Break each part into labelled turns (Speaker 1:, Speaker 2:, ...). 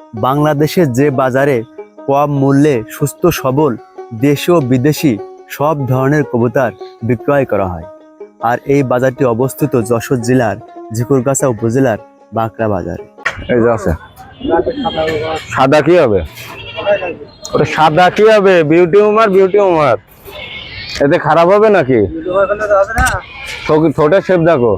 Speaker 1: বাংলাদেশের যে বাজারে কম মূল্যে সুস্থ সবল দেশি ও বিদেশি সব ধরনের কবুতর বিক্রয় করা হয়। আর এই বাজারটি অবস্থিত যশোর জেলার ঝিকুরগাছা উপজেলার বাঁকড়া বাজারে।
Speaker 2: এই যে আছে সাদা কি হবে, ওটা সাদা কি হবে? বিউটি উমার, বিউটি উমার এতে খারাপ হবে নাকি? ছোট শেপ দেখো।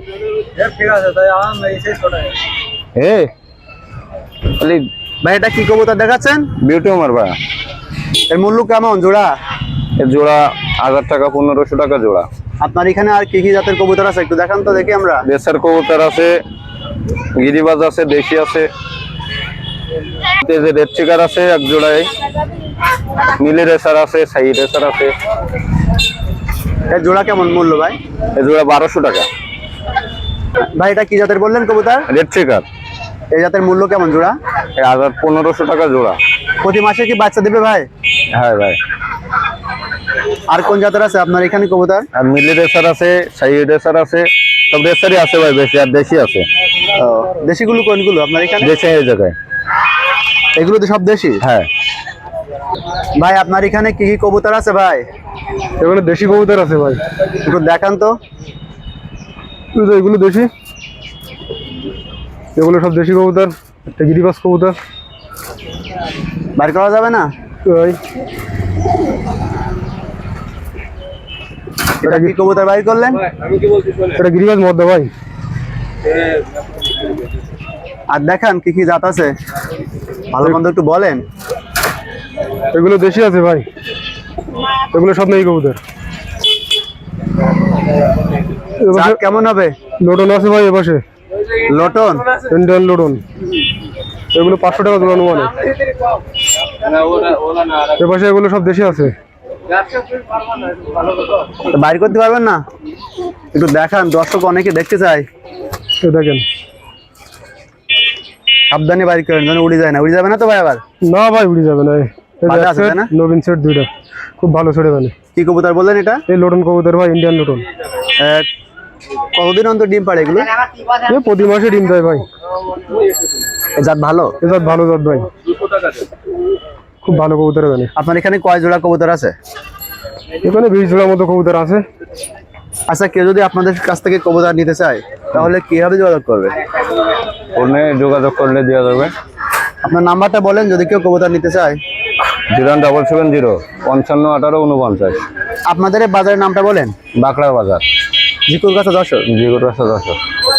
Speaker 1: ভাই এটা কি কবুতর দেখাচ্ছেন?
Speaker 2: বিউটি উমার ভাই।
Speaker 1: এর মূল্য কেমন জোড়া?
Speaker 2: এর জোড়া 1000 টাকা, 1500 টাকা জোড়া।
Speaker 1: আপনার এখানে আর কি কি জাতের কবুতর আছে একটু দেখান তো দেখি আমরা।
Speaker 2: দেশের কবুতর আছে, গিরিবাজ আছে, দেশি আছে, রেড চিকার আছে এক জোড়ায়, নীলি রেসার আছে, সাই রেসার আছে।
Speaker 1: এর জোড়া কেমন মূল্য ভাই?
Speaker 2: এই জোড়া 1200 টাকা।
Speaker 1: ভাই এটা কি জাতের বললেন কবুতর?
Speaker 2: Red checker.
Speaker 1: এই জাতের মূল্য কেমন জোড়া?
Speaker 2: 1500 টাকা জোড়া।
Speaker 1: প্রতি মাসে কি বাচ্চা দেবে ভাই?
Speaker 2: হ্যাঁ ভাই।
Speaker 1: আর কোন জাতের আছে আপনার এখানে কবুতর?
Speaker 2: আর মিলি রেসার আছে, সাই রেসার আছে, সব রেসারই আছে ভাই, বেশি আর দেশি আছে।
Speaker 1: দেশিগুলো কোনগুলো আপনার এখানে?
Speaker 2: দেশি এই জায়গায়
Speaker 1: এগুলো তো সব দেশি?
Speaker 2: হ্যাঁ
Speaker 1: ভাই আপনার এখানে কি কি কবুতর আছে ভাই?
Speaker 2: এগুলো দেশি কবুতর আছে ভাই।
Speaker 1: একটু দেখান তো।
Speaker 2: এগুলো দেশি, এগুলো সব দেশি কবুতর। একটা গিরিবাজ কবুতর
Speaker 1: বাইর করা যাবে না? এটা কি কবুতর বাইর করলেন?
Speaker 2: এটা গিরিবাজ মধ্যে ভাই।
Speaker 1: আর দেখান কি কি জাত আছে, ভালো মন্দ একটু বলেন।
Speaker 2: এগুলো দেশি আছে ভাই, এগুলো সব নেই কবুতর।
Speaker 1: জাত কেমন হবে?
Speaker 2: লোটন আছে ভাই এপাশে,
Speaker 1: লটন
Speaker 2: ইন্ডিয়ান লোটন। এগুলো 500 টাকা জোড়া মানে। এপাশে এগুলো সব দেশি আছে।
Speaker 1: বাইর করতে পারবেন না? একটু দেখান, দর্শক অনেকে দেখতে চায়।
Speaker 2: দেখেন
Speaker 1: সাবধানে বাইর করেন যেন উড়ে যায় না। উড়ে যাবে না তো ভাই আবার?
Speaker 2: না ভাই উড়ে যাবে না।
Speaker 1: ভালো আছে তাই না?
Speaker 2: নবীন সেট দুইটা খুব ভালো ছেড়ে মানে।
Speaker 1: কি কবুতর বললেন এটা?
Speaker 2: এই লোটন কবুতর ভাই, ইন্ডিয়ান লোটন।
Speaker 1: কতদিন অন্তর ডিম পাড়ে এগুলো?
Speaker 2: প্রতি মাসে ডিম দেয় ভাই।
Speaker 1: এই জাত ভালো?
Speaker 2: এই জাত ভালো জাত ভাই, খুব ভালো কবুতর মানে।
Speaker 1: আপনার এখানে কয় জোড়া কবুতর আছে?
Speaker 2: এখানে 20 জোড়ার মতো কবুতর আছে।
Speaker 1: আচ্ছা, কেউ যদি আপনাদের কাছ থেকে কবুতর নিতে চায় তাহলে কিভাবে যোগাযোগ করবে?
Speaker 2: ফোনে যোগাযোগ করলে দেওয়া যাবে।
Speaker 1: আপনার নাম্বারটা বলেন যদি কেউ কবুতর নিতে চায়।
Speaker 2: 01770 55 18 49।
Speaker 1: আপনাদের এই বাজারের নামটা বলেন।
Speaker 2: বাঁকড়া বাজার,
Speaker 1: ঝিকুরগাছা যশোর।
Speaker 2: ঝিকুরগাছা যশোর।